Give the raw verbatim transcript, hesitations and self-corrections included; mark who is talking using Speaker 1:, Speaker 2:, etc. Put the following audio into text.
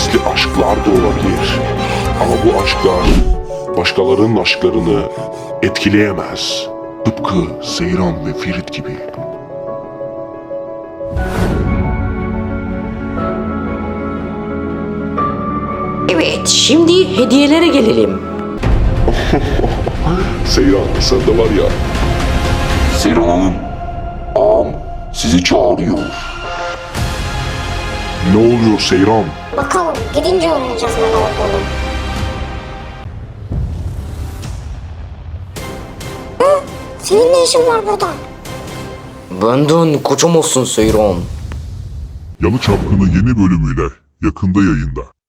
Speaker 1: gizli aşklar da olabilir. Ama bu aşklar başkalarının aşklarını etkileyemez. Tıpkı Seyran ve Ferit gibi.
Speaker 2: Evet, şimdi hediyelere gelelim.
Speaker 1: Seyran, sen de var ya.
Speaker 3: Seyran Hanım, ağam sizi çağırıyor.
Speaker 1: Ne oluyor Seyran?
Speaker 4: Bakalım gidince öğreneceğiz ne olduğunu. Hı? Senin ne işin var burada?
Speaker 2: Benden kaçamazsın Seyran.
Speaker 5: Yalı Çapkını yeni bölümüyle yakında yayında.